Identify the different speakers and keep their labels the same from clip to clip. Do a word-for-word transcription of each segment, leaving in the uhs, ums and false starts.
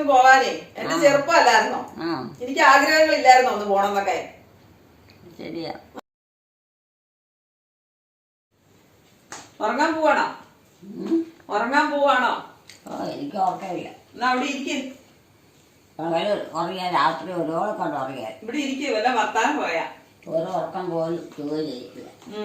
Speaker 1: ഒന്ന് പോവാനേ. എന്റെ ചെറുപ്പമല്ലായിരുന്നോ? എനിക്ക് ആഗ്രഹങ്ങളില്ലായിരുന്നോ ഒന്ന് പോണെന്നൊക്കെ?
Speaker 2: ശരിയാ.
Speaker 1: ഉറങ്ങാൻ പോവാണോ? ഉറങ്ങാൻ പോവാണോ?
Speaker 2: എനിക്ക് ഉറക്കമില്ല.
Speaker 1: എന്നാ അവിടെ ഇരിക്കും.
Speaker 2: പകല് ഉറങ്ങിയാൽ രാത്രി ഒരുപോലെ കൊണ്ട് ഉറങ്ങിയാൽ
Speaker 1: ഇവിടെ ഇരിക്കും. വല്ല വർത്താനം പോയാ
Speaker 2: ഒരു ഉറക്കം പോലും ജോലി ചെയ്യില്ല.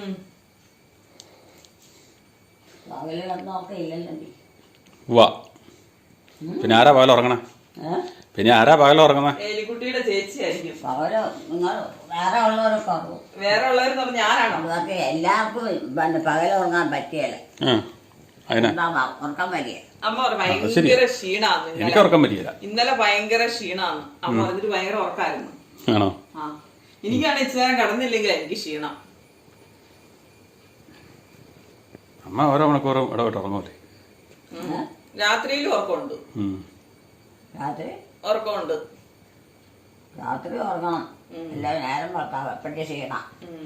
Speaker 2: പകല് കിടന്ന് ഉറക്കമില്ലല്ലോ.
Speaker 3: വാ പിന്നെ ആരാ പകൽ ഉറങ്ങണേ? പിന്നെ ആരാ പകൽ ഉറങ്ങുന്നത്?
Speaker 1: എലിക്കുട്ടിയുടെ ചേച്ചിയായിരിക്കും.
Speaker 2: പകല് നിങ്ങൾ വേറെ ഉള്ളവരൊക്കെ ഉറങ്ങും.
Speaker 1: വേറെ ഉള്ളവരെന്ന് പറഞ്ഞാൽ ഞാനാണോ?
Speaker 2: അതൊക്കെ എല്ലാവർക്കും പിന്നെ പകൽ ഉറങ്ങാൻ പറ്റിയല്ല. ഉറക്കം വലിയ
Speaker 1: അമ്മ പറഞ്ഞു ഭയങ്കര ക്ഷീണാന്ന്.
Speaker 3: എനിക്ക് ഉറക്കം പറ്റിയില്ല.
Speaker 1: ഇന്നലെ ഭയങ്കര ക്ഷീണാന്ന് അമ്മ പറഞ്ഞിട്ട് ഭയങ്കര ഉറക്കായിരുന്നു.
Speaker 3: ആണോ?
Speaker 1: ആ എനിക്കാണ് ഇച്ചിരി നേരം കടന്നില്ലെങ്കിൽ എനിക്ക് ക്ഷീണം.
Speaker 3: അമ്മ ഓരോ മണിക്കൂറും ഇടപെട്ട് ഉറങ്ങൂലേ?
Speaker 1: രാത്രിയിലും ഉറക്കമുണ്ട്.
Speaker 2: രാത്രി
Speaker 1: ഉറക്കമുണ്ട്.
Speaker 2: രാത്രി ഉറങ്ങണം. എല്ലാ നേരം ഉറക്കാം. എപ്പോഴും ക്ഷീണം.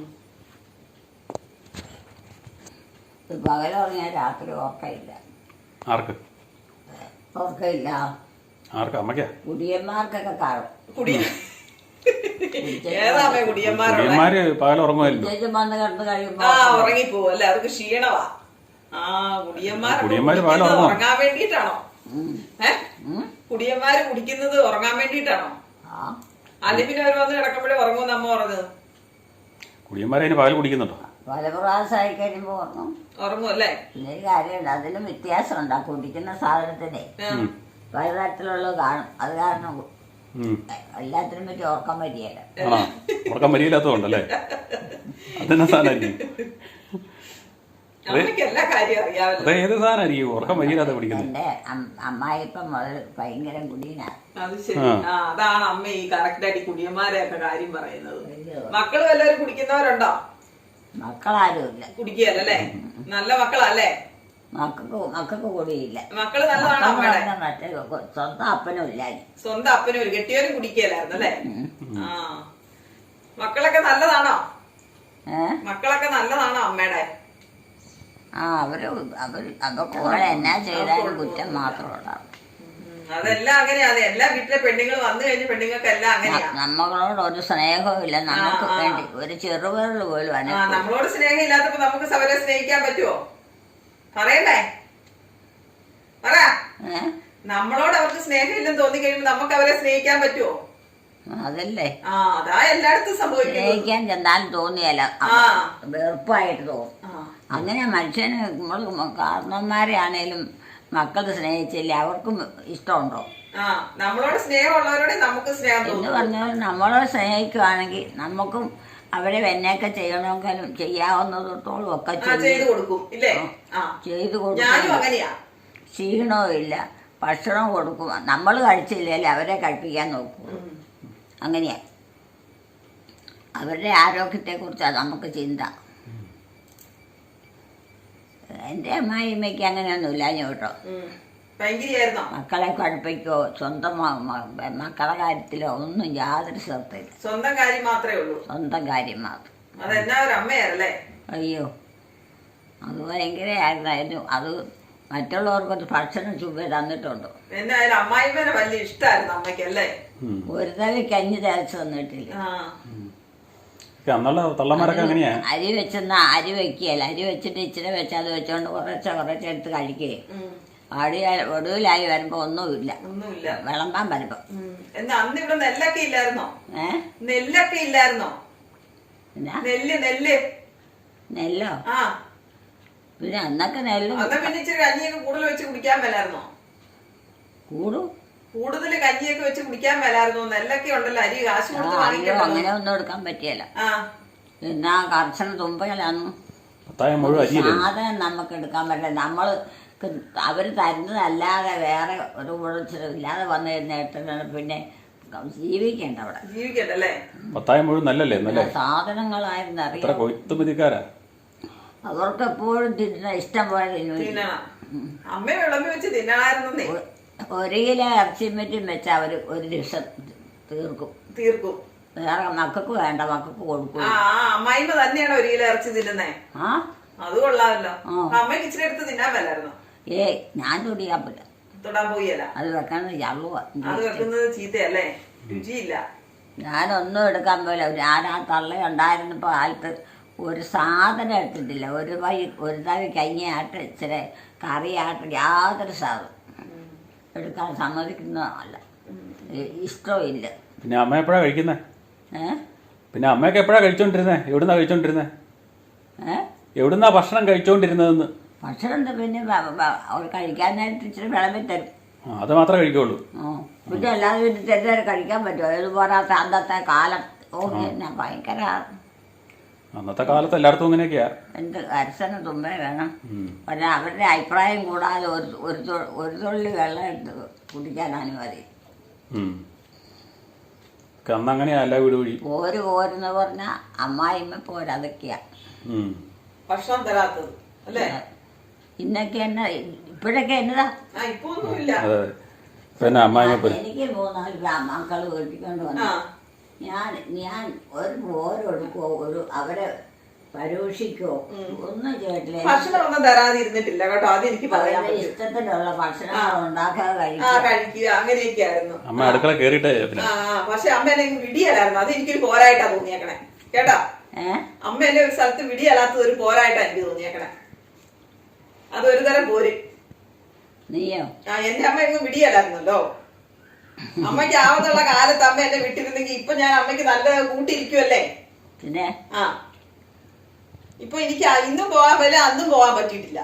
Speaker 2: പകൽ ഉറങ്ങിയാൽ രാത്രി ഉറക്കമില്ല.
Speaker 3: ആർക്ക്
Speaker 2: ഉറക്കമില്ല?
Speaker 3: ആർക്ക്? അമ്മയ്ക്കാ?
Speaker 2: കുടിയന്മാർക്കൊക്കെ കാണും.
Speaker 3: കുടിയന്മാര് പകൽ ഉറങ്ങുമായിരുന്നു.
Speaker 2: വന്ന് കിടന്ന് കഴിയുമ്പോ
Speaker 1: ആ ഉറങ്ങിപ്പോവും അല്ലേ? അവർക്ക് ക്ഷീണവാ. ആ കുടിയന്മാര്
Speaker 3: കുടിയന്മാര് പകൽ
Speaker 1: ഉറങ്ങാൻ വേണ്ടിട്ടാണോ? ഏ കുടിയന്മാര് കുടിക്കുന്നത് ഉറങ്ങാൻ വേണ്ടിട്ടാണോ? അല്ലെങ്കിൽ പിന്നെ അവർ വന്ന് കിടക്കുമ്പോഴേ ഉറങ്ങുമെന്ന് അമ്മ പറഞ്ഞത്.
Speaker 3: കുടിയന്മാരെ അതിന് പകൽ കുടിക്കുന്നുണ്ടോ?
Speaker 2: പല പ്രാവശ്യമായി കഴിയുമ്പോ ഉറങ്ങും.
Speaker 1: ഉറങ്ങും അല്ലേ?
Speaker 2: പിന്നെ ഒരു കാര്യമുണ്ട്, അതിനും വ്യത്യാസമുണ്ട്. ആ കുടിക്കുന്ന സാധനത്തിനെ പലതരത്തിലുള്ള കാണും. അത് കാരണം എല്ലാത്തിനും പറ്റി ഉറക്കം വരികയില്ല.
Speaker 3: ഉറക്കം വരിയില്ലാത്തതുകൊണ്ടല്ലേ? അതെന്നാ സാധനമായിരിക്കും?
Speaker 1: എല്ലാ കാര്യം അറിയാമല്ലോ.
Speaker 3: ഏത് സാധനമായിരിക്കും ഉറക്കം വരിയില്ലാത്ത കുടിക്കുന്നത്?
Speaker 2: എന്റെ അമ്മായിപ്പം മുതൽ ഭയങ്കര കുടിയനാണ്.
Speaker 1: അത് ശരി. ആ അതാണ് അമ്മ ഈ കറക്റ്റായിട്ട് കുടിയന്മാരെയൊക്കെ കാര്യം പറയുന്നത്. മക്കള് വല്ലവരും കുടിക്കുന്നവരുണ്ടോ?
Speaker 2: മക്കളാരുമില്ല.
Speaker 1: കുടിക്കുകയല്ലേ? നല്ല മക്കളല്ലേ?
Speaker 2: മക്കൾക്ക് മക്കൾക്ക് കുടിയില്ല.
Speaker 1: മക്കള് നല്ലതാണോ?
Speaker 2: മറ്റേ സ്വന്തം അപ്പനും ഇല്ല.
Speaker 1: സ്വന്തം അപ്പനും ഒരു കെട്ടിയവരും കുടിക്കുകയല്ലായിരുന്നു അല്ലേ? ആ മക്കളൊക്കെ നല്ലതാണോ? മക്കളൊക്കെ നല്ലതാണോ അമ്മയുടെ?
Speaker 2: ആ അവര് അവര് അതൊക്കെ കൂടെ എന്നാ ചെയ്താലും കുറ്റം മാത്രമുണ്ടാവും.
Speaker 1: അതെല്ലാം അങ്ങനെയാണ്. എല്ലാ വീട്ടിലെ പെണ്ണുങ്ങൾ വന്നു കഴിഞ്ഞ പെണ്ണുങ്ങൾക്ക് എല്ലാം അങ്ങനെയാ.
Speaker 2: നമ്മളോട് ഒരു സ്നേഹവും ഇല്ല. നമുക്ക് വേണ്ടി ഒരു ചെറുപേരിൽ പോലും
Speaker 1: നമ്മളോട് സ്നേഹം ഇല്ലാത്തപ്പോ നമുക്ക് അവരെ സ്നേഹിക്കാൻ പറ്റുമോ? പറയണ്ടേ? പറ. നമ്മളോട് അവർക്ക് സ്നേഹം ഇല്ലെന്ന് തോന്നി കഴിയുമ്പോ നമുക്ക് അവരെ സ്നേഹിക്കാൻ പറ്റുമോ?
Speaker 2: അതല്ലേ
Speaker 1: ആ അതാ എല്ലായിടത്തും സംഭവിക്കുന്നത്.
Speaker 2: സ്നേഹിക്കാൻ ചെന്നാലും തോന്നിയല്ല, വെറുപ്പായിട്ട് തോന്നും. അങ്ങനെ മനുഷ്യന് നമ്മൾ കാരണന്മാരെ ആണേലും മക്കൾ സ്നേഹിച്ചില്ല അവർക്കും ഇഷ്ടമുണ്ടോ?
Speaker 1: ആ നമ്മളോട് സ്നേഹമുള്ളവരോട് നമുക്ക് സ്നേഹം
Speaker 2: എന്ന് പറഞ്ഞാൽ നമ്മളോട് സ്നേഹിക്കുവാണെങ്കിൽ നമുക്കും അവരെ എന്നൊക്കെ ചെയ്യണമെങ്കിലും ചെയ്യാവുന്നതോളം ഒക്കെ
Speaker 1: ചെയ്തു കൊടുക്കും.
Speaker 2: ചെയ്തു കൊടുക്കും. ക്ഷീണവും ഇല്ല. ഭക്ഷണം കൊടുക്കും. നമ്മൾ കഴിച്ചില്ലെങ്കിൽ അവരെ കഴിപ്പിക്കാൻ നോക്കും. അങ്ങനെയാ അവരുടെ ആരോഗ്യത്തെക്കുറിച്ചാണ് നമുക്ക് ചിന്ത. എൻ്റെ അമ്മായിമ്മയ്ക്ക് അങ്ങനെയൊന്നുമില്ല കേട്ടോ. മക്കളെ പഠിപ്പിക്കോ സ്വന്തം മക്കളെ കാര്യത്തിലോ ഒന്നും യാതൊരു ശ്രദ്ധയില്ല.
Speaker 1: സ്വന്തം കാര്യം മാത്രമേ ഉള്ളൂ.
Speaker 2: സ്വന്തം കാര്യം മാത്രം. അയ്യോ അത് ഭയങ്കരമായിരുന്നു. അത് മറ്റുള്ളവർക്കൊരു ഭക്ഷണം ചുവ തന്നിട്ടുണ്ടോ? ഒരു തല കഞ്ഞി തേച്ച് തന്നിട്ടില്ല. അരി വെച്ചെന്നാ അരി വെക്കുകയല്ല. അരി വെച്ചിട്ട് ഇച്ചിരി വെച്ച് അത് വെച്ചോണ്ട് കുറച്ച കുറച്ച് എടുത്ത് കഴിക്കുകയും അടിയാ ഒടുവിലായി വരുമ്പോ ഒന്നുമില്ല. വിളമ്പാൻ വരുമ്പോ
Speaker 1: നെല്ലൊക്കെ ഇല്ലായിരുന്നോ? നെല്ലൊക്കെ ഇല്ലായിരുന്നോ? നെല്ല് നെല്ല്
Speaker 2: നെല്ലോ? പിന്നെ അന്നൊക്കെ നെല്ല്
Speaker 1: പിന്നെ ഇച്ചിരി കഞ്ഞിയൊക്കെ കൂടുതൽ വെച്ച് കുടിക്കാൻ മേലായിരുന്നോ?
Speaker 2: കൂടും
Speaker 1: കൂടുതൽ കഞ്ഞിയൊക്കെ വെച്ച് കുടിക്കാൻ മേലായിരുന്നു. നെല്ലൊക്കെ ഉണ്ടല്ലോ, അരി കാശ് കൊടുത്ത് വാങ്ങിക്കണം.
Speaker 2: അങ്ങനെ ഒന്നും എടുക്കാൻ പറ്റിയല്ല. എന്നാ കർശന തുമ്പകളാന്ന് സാധനം നമുക്ക് എടുക്കാൻ പറ്റില്ല. നമ്മള് അവര് തരുന്നതല്ലാതെ വേറെ ഒരു കുഴച്ചിലും ഇല്ലാതെ വന്നു കഴിഞ്ഞിട്ട് പിന്നെ ജീവിക്കണ്ട. അവിടെ
Speaker 1: ജീവിക്കണ്ടല്ലേ?
Speaker 3: പത്തായം മുഴുവൻ നല്ലല്ലേ?
Speaker 2: സാധനങ്ങളായിരുന്നു അറിയാം. അവർക്ക് എപ്പോഴും തിന്ന ഇഷ്ടം പോലെ
Speaker 1: അമ്മ വിളമ്പി വെച്ച് തിന്നായിരുന്നേ.
Speaker 2: ഒരു കിലോ ഇറച്ചിയും മറ്റും വെച്ചാൽ അവർ ഒരു ദിവസം തീർക്കും
Speaker 1: തീർക്കും
Speaker 2: വേറെ മക്കൾക്ക് വേണ്ട, മക്കൾക്ക് കൊടുക്കും.
Speaker 1: അമ്മായിമ്മ തന്നെയാണ് ഒരു കിലോ ഇറച്ചി തിന്നുന്നേ. അത് കൊള്ളാമല്ലോ. അമ്മയ്ക്ക് ഇച്ചിരി എടുത്ത് തിന്നാൻ മേലായിരുന്നോ?
Speaker 2: ഏയ് ഞാൻ തുടിയാൻ പറ്റില്ല.
Speaker 1: തൊടാൻ പോയല്ല.
Speaker 2: അത് വെക്കുന്നത് ചള്ളുവാ.
Speaker 1: അത് വെക്കുന്നത് ചീത്തയല്ലേ, രുചിയില്ല.
Speaker 2: ഞാനൊന്നും എടുക്കാൻ പോയില്ല. ഞാൻ ആ തള്ള ഉണ്ടായിരുന്നപ്പോൾ കാലത്ത് ഒരു സാധനം എടുത്തിട്ടില്ല. ഒരു വൈ ഒരു തവി കഞ്ഞിയാട്ട് ഇച്ചിരി കറിയാട്ട് യാതൊരു സാധനം എടുക്കാൻ സമ്മതിക്കുന്നതല്ല, ഇഷ്ടവും ഇല്ല.
Speaker 3: പിന്നെ അമ്മ എപ്പോഴാണ് കഴിക്കുന്നത്?
Speaker 2: ഏ
Speaker 3: പിന്നെ അമ്മയൊക്കെ എപ്പോഴാണ് കഴിച്ചോണ്ടിരുന്നത്? എവിടുന്നാ കഴിച്ചോണ്ടിരുന്നത്?
Speaker 2: ഏ
Speaker 3: എവിടുന്നാ ഭക്ഷണം കഴിച്ചോണ്ടിരുന്നതെന്ന്?
Speaker 2: ഭക്ഷണം എന്താ പിന്നെ അവർ കഴിക്കാനായിട്ട് ഇച്ചിരി വിളമ്പി തരും.
Speaker 3: അത് മാത്രമേ കഴിക്കുള്ളൂ.
Speaker 2: ആ പിന്നെ അല്ലാതെ പിന്നെ ചെറുതായി കഴിക്കാൻ പറ്റുമോ? ഇത് പോരാത്ത അന്നത്തെ കാലം. ഓ എന്നാ ഭയങ്കര.
Speaker 3: അന്നത്തെ കാലത്ത് എല്ലായിടത്തും ഇങ്ങനെയൊക്കെയാ.
Speaker 2: എന്ത് അരസന തുമ്പേ വേണം. പക്ഷെ അവരുടെ അഭിപ്രായം കൂടാതെ ഒരു ഒരു ഒരു തുള്ളി വെള്ളം എടുത്ത് കുടിക്കാൻ അനുമതി.
Speaker 3: അന്ന് അങ്ങനെയാ എല്ലാ വീട് വഴി.
Speaker 2: പോര് പോരെന്ന് പറഞ്ഞാൽ അമ്മായിമ്മ പോരതൊക്കെയാ
Speaker 1: ഭക്ഷണം തരാത്തത് അല്ലേ?
Speaker 2: ഇന്നൊക്കെ എന്നാ ഇപ്പോഴൊക്കെ എന്നതാ എനിക്ക് മൂന്നാല് മക്കള് കെട്ടിക്കൊണ്ട് വന്നു. ഞാൻ ഞാൻ ഒരു പോരെടുക്കോ ഒരു അവരെ പരീക്ഷിക്കോ ഒന്നും ചെയ്തിട്ടില്ല.
Speaker 1: ഭക്ഷണമൊന്നും തരാതിരുന്നിട്ടില്ല കേട്ടോ, അത് എനിക്ക് പറയാം.
Speaker 2: ഇഷ്ടത്തിനുള്ള ഭക്ഷണങ്ങൾ ഉണ്ടാക്കാതെ
Speaker 1: കഴിക്കുക അങ്ങനെയൊക്കെ ആയിരുന്നു.
Speaker 3: അമ്മ അടുക്കള കേറിയിട്ടേ.
Speaker 1: പക്ഷെ അമ്മ എന്നെ വിടിയലായിരുന്നു, അത് എനിക്കൊരു പോരായിട്ടാ തോന്നിയേക്കണേ കേട്ടാ. അമ്മ എന്നെ ഒരു സ്ഥലത്ത് വിടിയല്ലാത്തത് ഒരു പോരായിട്ടാ എനിക്ക് തോന്നിയേക്കണേ. അതൊരു തരം പോര്.
Speaker 2: നീയോ?
Speaker 1: ആ എന്റെ അമ്മ എങ്ങും വിടിയല്ലായിരുന്നല്ലോ. അമ്മയ്ക്ക് ആവത്തുള്ള കാലത്ത് അമ്മ എന്നെ വിട്ടിരുന്നെങ്കിൽ ഇപ്പൊ ഞാൻ അമ്മയ്ക്ക് നല്ല കൂട്ടിയിരിക്കുവല്ലേ.
Speaker 2: പിന്നെ
Speaker 1: ആ ഇപ്പൊ എനിക്ക് ഇന്നും പോകാൻ പറ്റില്ല, അന്നും പോകാൻ പറ്റിയിട്ടില്ല.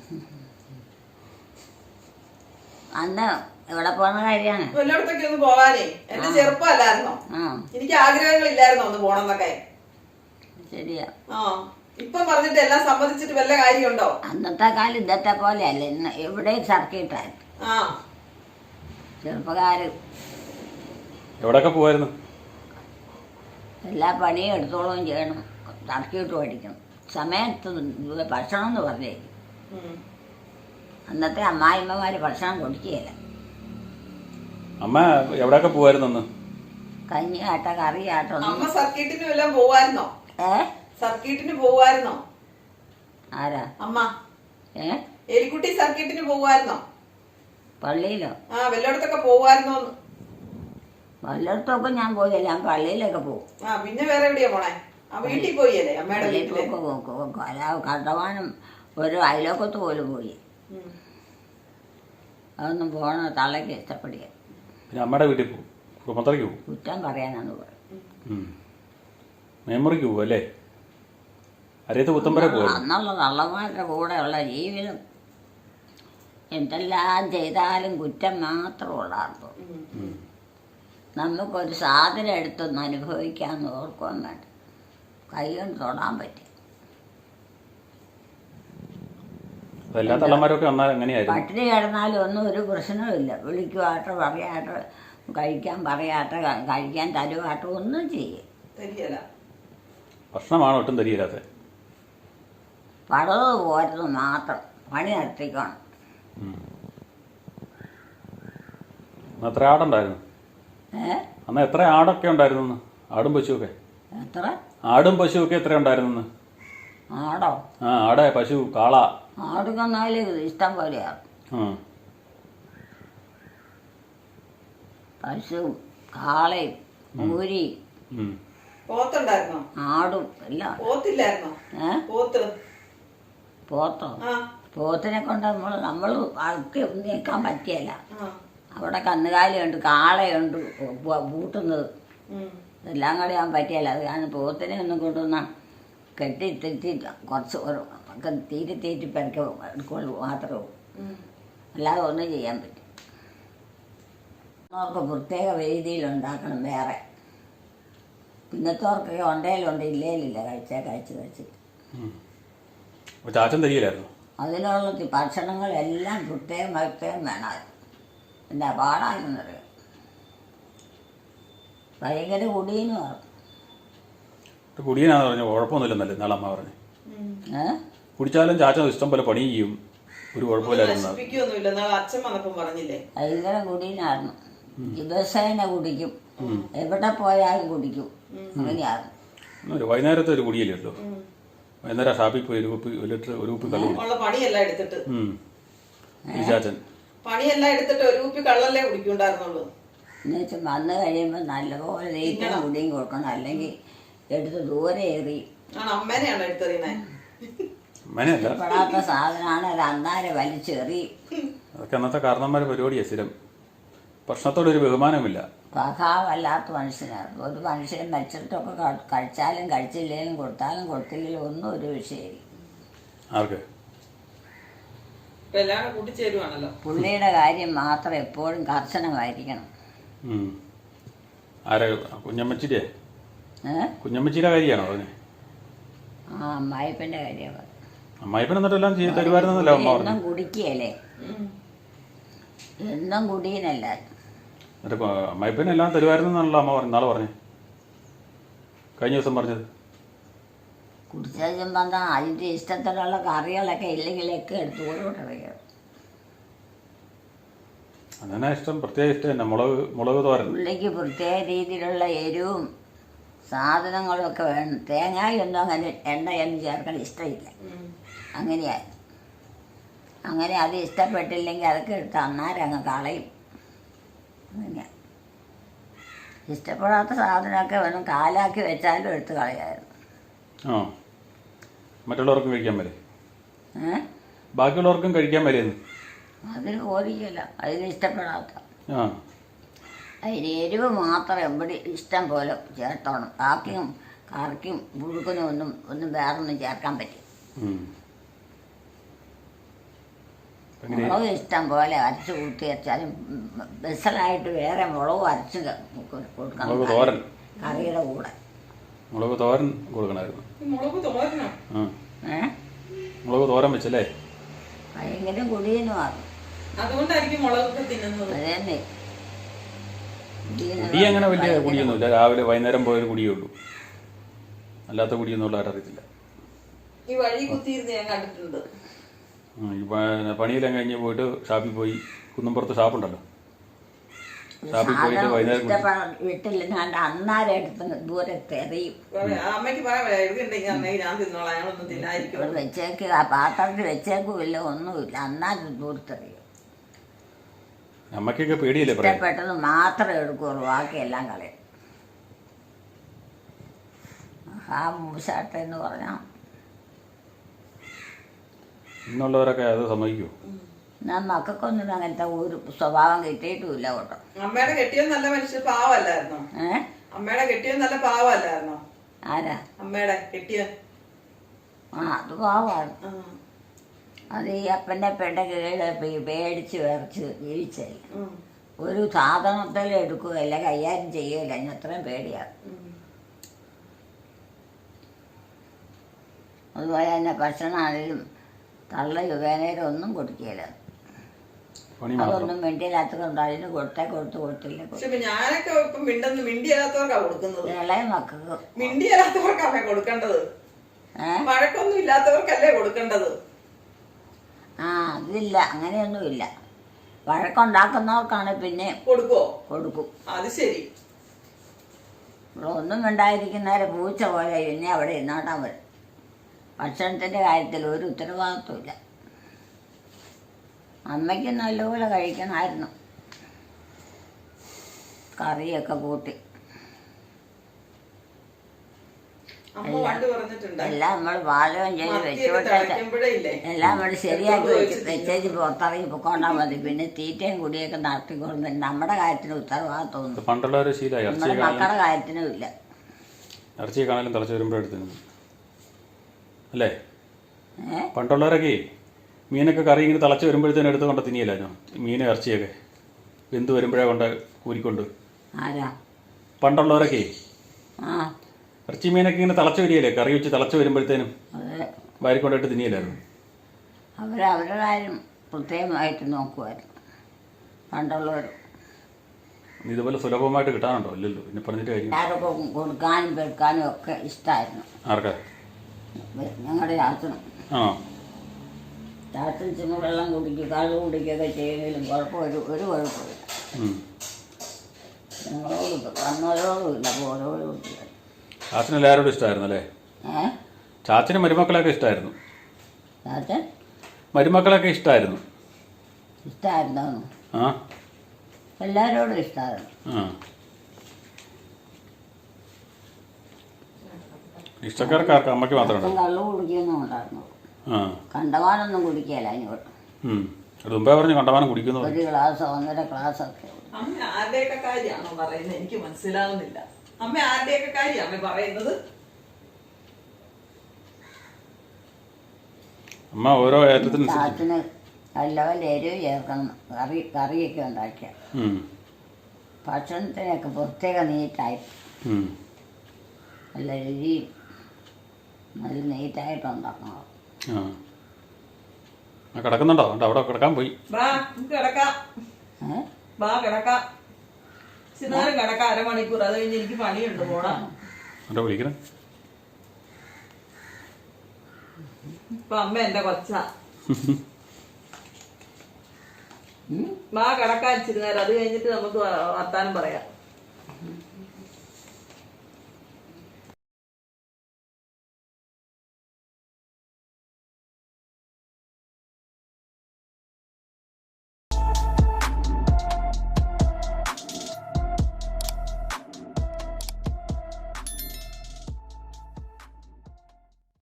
Speaker 2: അന്ന് എവിടെ പോകുന്ന കാര്യമാണ്?
Speaker 1: എല്ലായിടത്തൊക്കെ ഒന്ന് പോകാനേ. എന്റെ ചെറുപ്പമല്ലായിരുന്നോ, എനിക്ക് ആഗ്രഹങ്ങളില്ലായിരുന്നോ ഒന്ന് പോണെന്നൊക്കെ.
Speaker 2: ശരിയാ.
Speaker 1: ആ ഇപ്പൊ പറഞ്ഞിട്ട് എല്ലാം സമ്മതിച്ചിട്ട് വല്ല കാര്യമുണ്ടോ?
Speaker 2: അന്നത്തെ കാലം ഇന്നത്തെ പോലെ അല്ല. ഇന്ന് എവിടെയും സർക്കിട്ടായിരുന്നു.
Speaker 1: ആ
Speaker 2: ചെറുപ്പക്കാര്
Speaker 3: എവിടെയൊക്കെ പോവായിരുന്നു?
Speaker 2: എല്ലാ പണിയും എടുത്തോളം ചെയ്യണം, സർക്കിട്ട് പഠിക്കണം, സമയത്ത് ഭക്ഷണം എന്ന് പറഞ്ഞേ. അന്നത്തെ അമ്മായിമ്മമാര് ഭക്ഷണം കൊടുക്കുകയില്ല.
Speaker 3: അമ്മ എവിടെയൊക്കെ പോവായിരുന്നു?
Speaker 2: കഞ്ഞിയാട്ട കറിയാട്ടോ.
Speaker 1: അമ്മ സർക്കിട്ടിന് വല്ലതും പോവായിരുന്നോ?
Speaker 2: ഏ സർക്കിട്ടിന്
Speaker 1: പോവായിരുന്നോ?
Speaker 2: ആരാ?
Speaker 1: അമ്മ.
Speaker 2: ഏ
Speaker 1: എലിക്കുട്ടി സർക്കിട്ടിന് പോവായിരുന്നോ?
Speaker 2: പള്ളിയിലോ?
Speaker 1: ആ വല്ലയിടത്തൊക്കെ പോവായിരുന്നോ?
Speaker 2: വല്ലയിടത്തൊക്കെ ഞാൻ പോയില്ല, ഞാൻ പള്ളിയിലൊക്കെ പോകും.
Speaker 1: ആ പിന്നെ വേറെ എവിടെയാ പോണേ? ആ വീട്ടിൽ പോയല്ലേ അമ്മയുടെ വീട്ടില്?
Speaker 2: കണ്ടവാനും ഒരു അയലോക്കത്ത് പോലും പോയി. അതൊന്നും പോണ തള്ളയ്ക്ക് ഇഷ്ടപ്പെടുക.
Speaker 3: പിന്നെ അമ്മയുടെ വീട്ടിൽ പോകും, കുടുംബത്തിലേക്ക് പോകും.
Speaker 2: കുറ്റം പറയാനാണ് പറയും.
Speaker 3: മെമ്മറിക്ക് പോകും അല്ലേ? അരയത്ത് പുത്തമ്പരെ പോകും.
Speaker 2: അന്നുള്ള തള്ളമാരുടെ കൂടെയുള്ള ജീവിതം എന്തെല്ലാം ചെയ്താലും കുറ്റം മാത്രമുള്ളാർന്നു. നമുക്കൊരു സാധനം എടുത്തൊന്ന് അനുഭവിക്കാമെന്ന് ഓർക്കാൻ വേണ്ട, കൈ കൊണ്ട് തൊടാൻ പറ്റി. പട്ടിണി കിടന്നാലും ഒന്നും ഒരു പ്രശ്നവുമില്ല. വിളിക്കുവാട്ടോ പറയാട്ടോ കഴിക്കാൻ പറയാട്ടോ കഴിക്കാൻ തരുവാട്ടോ ഒന്നും ചെയ്യും.
Speaker 3: ഭക്ഷണമാണ് ഒട്ടും തരികയില്ലാത്ത.
Speaker 2: പടവ് പോരുന്നത് മാത്രം പണി നടത്തിക്കണം.
Speaker 3: എത്ര ആടുണ്ടായിരുന്നു?
Speaker 2: ഏ
Speaker 3: അന്ന് എത്ര ആടൊക്കെ ഉണ്ടായിരുന്നു? ആടും പശുവൊക്കെ
Speaker 2: എത്ര?
Speaker 3: ആടും പശുവൊക്കെ എത്ര ഉണ്ടായിരുന്നു?
Speaker 2: ആടോ?
Speaker 3: ആ ആടെ പശു കാള
Speaker 2: ആടുകന്നാല് ഇഷ്ടം പോലെയാണ്. പശു കാളയും മൂരി ആടും എല്ലാം. പോത്തോ? പോത്തിനെ കൊണ്ട് നമ്മൾ നമ്മൾ ആൾക്ക് നീക്കാൻ പറ്റിയല്ല. അവിടെ കന്നുകാലിയുണ്ട്, കാളയുണ്ട് പൂട്ടുന്നത്, എല്ലാം കൂടെ ആകാൻ പറ്റിയല്ല. അത് കാരണം പോത്തിനെ ഒന്നും കൊണ്ടുവന്നാൽ കെട്ടി തെറ്റി കുറച്ച് ഒക്കെ തീറ്റി തീറ്റി പെരക്ക് എടുക്കുള്ളൂ മാത്രമേ. അല്ലാതെ ഒന്നും ചെയ്യാൻ പറ്റും. അവർക്ക് പ്രത്യേക രീതിയിലുണ്ടാക്കണം വേറെ. പിന്നത്തോർക്കൊക്കെ ഉണ്ടേലുണ്ട് ഇല്ലേലില്ല, കഴിച്ചാൽ കഴിച്ച് കഴിച്ചിട്ട്.
Speaker 3: ചാച്ചൻ തരികയില്ലായിരുന്നു.
Speaker 2: അതിനുള്ള ഭക്ഷണങ്ങളെല്ലാം പ്രത്യേകം പ്രത്യേകം വേണമായിരുന്നു. എന്താ പാടായിരുന്നറിയാം. ഭയങ്കര കുടീനുമാണ്.
Speaker 3: കുടിയനാന്ന് പറഞ്ഞു കുഴപ്പമൊന്നുമില്ലെന്നല്ലേ നാളെ അമ്മ പറഞ്ഞു. കുടിച്ചാലും ചാച്ചൻ ഇഷ്ടം പോലെ പണി ചെയ്യും, ഒരു കുഴപ്പമില്ലായിരുന്നു.
Speaker 2: ഭയങ്കര കുടീനായിരുന്നു. ദിവസേന കുടിക്കും, എവിടെ പോയാലും കുടിക്കും. അങ്ങനെയായിരുന്നു.
Speaker 3: വൈകുന്നേരത്തെ ഒരു കുടിയല്ലേ ഉള്ളൂ. വൈകുന്നേരം ഷാപ്പിൽ പോയി ഒരു കുപ്പി ഒരു ലിറ്റർ ഒരു കുപ്പി കള്ളു ചാച്ചൻ.
Speaker 1: പണിയെല്ലാം എടുത്തിട്ട് ഒരു കുപ്പി കള്ളല്ലേ കുടിക്കുണ്ടായിരുന്നുള്ളൂ.
Speaker 2: എന്നുവെച്ചാൽ വന്നു കഴിയുമ്പോൾ നല്ലപോലെ നെയ്റ്റും കുടിയും കൊടുക്കണം, അല്ലെങ്കിൽ എടുത്ത് ദൂരെ എറി.
Speaker 1: ആണ് അമ്മേനെയാണ് എടുത്തെറിയുന്നേ.
Speaker 2: ഇഷ്ടപ്പെടാത്ത സാധനമാണ് അത് അന്നാരെ വലിച്ചെറി.
Speaker 3: അതൊക്കെ അന്നത്തെ കാരണന്മാരെ പരിപാടിയാ. സ്ഥിരം ഭക്ഷണത്തോടൊരു ബഹുമാനമില്ല.
Speaker 2: സ്വഭാവമല്ലാത്ത മനുഷ്യനാണ്. ഒരു മനുഷ്യൻ മരിച്ചിട്ടൊക്കെ കഴിച്ചാലും കഴിച്ചില്ലെങ്കിലും കൊടുത്താലും കൊടുത്തില്ലെങ്കിലും ഒന്നും ഒരു വിഷയമില്ല.
Speaker 3: ആർക്ക്
Speaker 2: പുള്ളിയുടെ കാര്യം മാത്രം എപ്പോഴും കർശനമായിരിക്കണം.
Speaker 3: ആരെ കുഞ്ഞമ്മച്ചിയുടെ കുഞ്ഞമ്മച്ചിയുടെ കാര്യമാണോ അതിന്?
Speaker 2: ആ അമ്മായിപ്പൻ്റെ കാര്യമാണ്.
Speaker 3: അമ്മായിപ്പൻ എന്നിട്ടെല്ലാം ചെയ്ത് തരുമായിരുന്നല്ലോ അമ്മ.
Speaker 2: എന്നും കുടിക്കുകയല്ലേ, എന്നും കുടിയനല്ല.
Speaker 3: എന്നിട്ട് അമ്മായിപ്പൻ എല്ലാം തരുമായിരുന്നെന്നാണല്ലോ അമ്മ പറഞ്ഞു നാളെ പറഞ്ഞു, കഴിഞ്ഞ ദിവസം പറഞ്ഞത്.
Speaker 2: കുടിച്ചും വന്നാൽ അതിൻ്റെ ഇഷ്ടത്തിലുള്ള കറികളൊക്കെ ഇല്ലെങ്കിലൊക്കെ എടുത്ത് ഓരോട്ടറിയാം.
Speaker 3: അങ്ങനെ ഇഷ്ടം, പ്രത്യേക ഇഷ്ടം തന്നെ മുളക് മുളക് തോരൻ.
Speaker 2: പുള്ളിക്ക് പ്രത്യേക രീതിയിലുള്ള എരിവും സാധനങ്ങളും ഒക്കെ വേണം. തേങ്ങയൊന്നും അങ്ങനെ എണ്ണയൊന്നും ചേർക്കാൻ ഇഷ്ടമില്ല. അങ്ങനെയായി അങ്ങനെ അത് ഇഷ്ടപ്പെട്ടില്ലെങ്കിൽ അതൊക്കെ എടുത്ത് അന്നേരം അങ്ങ് കളയും. അങ്ങനെയാണ്. ഇഷ്ടപ്പെടാത്ത സാധനമൊക്കെ വേണം കാലാക്കി വെച്ചാലും എടുത്ത് കളയായിരുന്നു.
Speaker 3: ആ മറ്റുള്ളവർക്കും കഴിക്കാൻ വരെ,
Speaker 2: ഏ
Speaker 3: ബാക്കിയുള്ളവർക്കും കഴിക്കാൻ വരെയെന്ന്
Speaker 2: അതിന് ബോധിക്കില്ല. അതിന് ഇഷ്ടപ്പെടാത്ത
Speaker 3: ആ
Speaker 2: അതിന് എരിവ് മാത്രം എവിടെ ഇഷ്ടം പോലെ ചേർത്തോണം. കാക്കിയും കറിക്കും പുഴുക്കിനും ഒന്നും ഒന്നും വേറൊന്നും ചേർക്കാൻ പറ്റും. മുളക് ഇഷ്ടം പോലെ അരച്ച് കൂട്ടി വെച്ചാലും ബെസലായിട്ട് വേറെ മുളക് അരച്ച് കൊടുക്കണം കറിയുടെ കൂടെ.
Speaker 3: മുളക് തോരൻ കൊടുക്കണമായിരുന്നു. മുളക് തോരൻ വെച്ചല്ലേ
Speaker 2: ഭയങ്കര കുടിയനുമാണ്.
Speaker 1: അതുകൊണ്ടായിരിക്കും മുളകൊക്കെ തിന്നുന്നത്.
Speaker 2: അതന്നെ.
Speaker 3: കുടി അങ്ങനെ വലിയ കുടിയൊന്നുമില്ല. രാവിലെ വൈകുന്നേരം പോയൊരു കുടിയേ ഉള്ളൂ, അല്ലാത്ത കുടിയൊന്നും ഉള്ള ആരറിയത്തില്ല.
Speaker 1: ഈ വഴി കുത്തിയിരുന്ന് ഞാൻ കണ്ടിട്ടുണ്ട്.
Speaker 3: ഈ പണിയെല്ലാം കഴിഞ്ഞ് പോയിട്ട് ഷാപ്പിൽ പോയി, കുന്നമ്പുറത്ത് ഷാപ്പുണ്ടല്ലോ, ഷാപ്പിൽ പോയിട്ട് വൈകുന്നേരം
Speaker 2: വീട്ടിൽ അന്നാരം എടുത്ത് ദൂരത്ത് എറിയും.
Speaker 1: അമ്മയ്ക്ക്
Speaker 2: വെച്ചേക്ക് ആ പാത്രത്തിൽ വെച്ചേക്കുമില്ല, ഒന്നുമില്ല. അന്നാരം ദൂരത്തെറിയും.
Speaker 3: അമ്മയ്ക്കൊക്കെ പേടിയില്ലേ?
Speaker 2: ഇഷ്ടപ്പെട്ടത് മാത്രമേ എടുക്കുള്ളൂ, ബാക്കിയെല്ലാം കളയും. ആ മൂശാട്ടെന്ന് പറഞ്ഞാൽ
Speaker 3: ഇന്നുള്ളവരൊക്കെ അത് സമ്മതിക്കുമോ?
Speaker 2: ഞാൻ മക്കൾക്കൊന്നും അങ്ങനത്തെ ഒരു സ്വഭാവം കിട്ടിയിട്ടുമില്ല കേട്ടോ.
Speaker 1: അമ്മയുടെ കെട്ടിയോ നല്ല മനുഷ്യ പാവല്ലായിരുന്നോ? ഏഹ് അമ്മയുടെ കെട്ടിയോ നല്ല പാവല്ലായിരുന്നോ?
Speaker 2: ആരാ?
Speaker 1: അമ്മയുടെ കെട്ടിയോ?
Speaker 2: ആ അത് പാവമാണ്. അത് ഈ അപ്പൻ്റെ പെണ്ണെ കീഴ് പേടിച്ച് വിറച്ച് ജീവിച്ചല്ല. ഒരു സാധനത്തിൽ എടുക്കുകയല്ല, കൈകാര്യം ചെയ്യുകയില്ല. അതിന് അത്രയും പേടിയാണ്. അതുപോലെ തന്നെ ഭക്ഷണമാണെങ്കിലും തള്ള യുവേനേരം ഒന്നും കൊടുക്കുകയില്ല. അതൊന്നും മിണ്ടിയില്ലാത്തതുകൊണ്ട് അതിന് കൊടുത്തേ കൊടുത്ത് കൊടുത്തില്ല.
Speaker 1: ഞാനൊക്കെ ഇപ്പം മിണ്ടെന്ന് മിണ്ടിയല്ലാത്തവർക്കാ കൊടുക്കുന്നത്.
Speaker 2: ഇളയ മക്കൾക്ക്
Speaker 1: മിണ്ടിയല്ലാത്തവർക്കാണ് കൊടുക്കേണ്ടത്. വഴക്കൊന്നും ഇല്ലാത്തവർക്കല്ലേ കൊടുക്കേണ്ടത്.
Speaker 2: ആ അതില്ല, അങ്ങനെയൊന്നുമില്ല. വഴക്കുണ്ടാക്കുന്നവർക്കാണ് പിന്നെ
Speaker 1: കൊടുക്കുവോ?
Speaker 2: കൊടുക്കും.
Speaker 1: അത് ശരി.
Speaker 2: ഒന്നും ഉണ്ടായിരിക്കുന്നവരെ പൂച്ച പോലെ പിന്നെ അവിടെ ഇരുന്നാട്ടാൻ വരും. ഭക്ഷണത്തിൻ്റെ കാര്യത്തിൽ ഒരു ഉത്തരവാദിത്വമില്ല. അമ്മയ്ക്ക് നല്ലപോലെ കഴിക്കണമായിരുന്നു, കറിയൊക്കെ കൂട്ടി. എല്ലാം നമ്മൾ പാചകം ചെയ്ത് വെച്ചോട്ടെ, എല്ലാം നമ്മൾ ശരിയാക്കി വെച്ച് വെച്ചേച്ച് പുറത്തിറങ്ങി പൊക്കോണ്ടാൽ മതി. പിന്നെ തീറ്റയും കുടിയൊക്കെ നടത്തിക്കൊണ്ട് നമ്മുടെ കാര്യത്തിന് ഉത്തരവാദിത്വം നമ്മുടെ മക്കളുടെ കാര്യത്തിനും ഇല്ല.
Speaker 3: ഇറച്ചി കാണാനും തിളച്ച് വരുമ്പോഴെടുത്തു അല്ലേ? പണ്ടുള്ളവരൊക്കെ മീനൊക്കെ കറി ഇങ്ങനെ തിളച്ച് വരുമ്പോഴത്തേനും എടുത്ത് കൊണ്ട് തിന്നിയല്ലോ മീനും ഇറച്ചിയൊക്കെ. വെന്ത് വരുമ്പോഴേ കൊണ്ട് കൂരിക്കൊണ്ട് പണ്ടുള്ളവരൊക്കെ ഇറച്ചി മീനൊക്കെ ഇങ്ങനെ തിളച്ച് വരികയല്ലേ, കറി വെച്ച് തിളച്ച് വരുമ്പോഴത്തേനും വാരിക്കൊണ്ടിട്ട് തിന്നിയല്ലായിരുന്നു.
Speaker 2: അവർ അവരുടെ കാര്യം പ്രത്യേകമായിട്ട് നോക്കുമായിരുന്നു പണ്ടുള്ളവർ.
Speaker 3: ഇതുപോലെ സുലഭമായിട്ട് കിട്ടാനുണ്ടോ? ഇല്ലല്ലോ. പിന്നെ പറഞ്ഞിട്ട് കാര്യം
Speaker 2: ആരൊക്കെ കൊടുക്കാനും പെടുക്കാനും ഒക്കെ ഇഷ്ടമായിരുന്നു.
Speaker 3: ആർക്കാ?
Speaker 2: ഞങ്ങളുടെ ചാച്ചനും.
Speaker 3: ആ
Speaker 2: ചാച്ചൻ ചെന്ന് വെള്ളം കുടിക്കുക കള്ളു കുടിക്കുകയൊക്കെ ചെയ്യുന്നതിലും കുഴപ്പം ഒരു ഒരു കുഴപ്പമില്ല. ഞങ്ങളോട് വന്നവരോടും ഇല്ല, പോരോടും ഇല്ല.
Speaker 3: ചാച്ചന് എല്ലാവരോടും ഇഷ്ടമായിരുന്നു അല്ലേ?
Speaker 2: ഏ
Speaker 3: ചാച്ചന് മരുമക്കളൊക്കെ ഇഷ്ടമായിരുന്നു.
Speaker 2: ചാച്ചൻ
Speaker 3: മരുമക്കളൊക്കെ ഇഷ്ടമായിരുന്നു.
Speaker 2: ഇഷ്ടമായിരുന്നോന്നു?
Speaker 3: ആ
Speaker 2: എല്ലാവരോടും ഇഷ്ടമായിരുന്നു.
Speaker 3: ആ ഇഷ്ടക്കാർക്കാർക്ക് അമ്മയ്ക്ക് മാത്രമേ
Speaker 2: ഒട്ടും കള്ളു കുടിക്കൊന്നും ഉണ്ടായിരുന്നു.
Speaker 3: ആ
Speaker 2: കണ്ടവാനൊന്നും കുടിക്കുകയില്ല അതിനോട്.
Speaker 3: ഉം അത് മുമ്പേ പറഞ്ഞു കണ്ടമാനം കുടിക്കുന്നു.
Speaker 2: ഒരു ഗ്ലാസ്സോ ഒന്നര ഗ്ലാസ്സോ ഒക്കെ.
Speaker 1: അമ്മ ആരുടെയൊക്കെ കാര്യമാണോ പറയുന്നത്? എനിക്ക് മനസ്സിലാവുന്നില്ല. അമ്മ ആരുടെയൊക്കെ കാര്യമാണ് പറയുന്നത്?
Speaker 3: അമ്മ ഓരോ ഏറ്റത്തിനനുസരിച്ച്
Speaker 2: ചാത്തിന് നല്ലപോലെ എരിവ് ചേർക്കണം. കറി കറിയൊക്കെ ഉണ്ടാക്കിയ
Speaker 3: ഉം.
Speaker 2: ഭക്ഷണത്തിനൊക്കെ പ്രത്യേക നീറ്റായി
Speaker 3: ഉം.
Speaker 2: നല്ല രുചിയും നല്ല നീറ്റായിട്ട് ഉണ്ടാക്കണം.
Speaker 3: ആ ആ കിടക്കുന്നുണ്ടോ? ഉണ്ട് അവിടെ കിടക്കാൻ പോയി.
Speaker 1: ബാ നമുക്ക് കിടക്കാം.
Speaker 2: ഏഹ്
Speaker 1: ബാ കിടക്കാം. ചിന്നാലും കിടക്കാം അരമണിക്കൂർ. അത് കഴിഞ്ഞ് എനിക്ക് പണിയുണ്ട് പോടാ.
Speaker 3: അവിടെ വിളിക്കണം.
Speaker 1: ഇപ്പൊ അമ്മ എന്റെ കൊച്ച. ബാ കിടക്കാൻ ഇച്ചിരി നേരം. അത് കഴിഞ്ഞിട്ട് നമുക്ക് വർത്താനം പറയാം.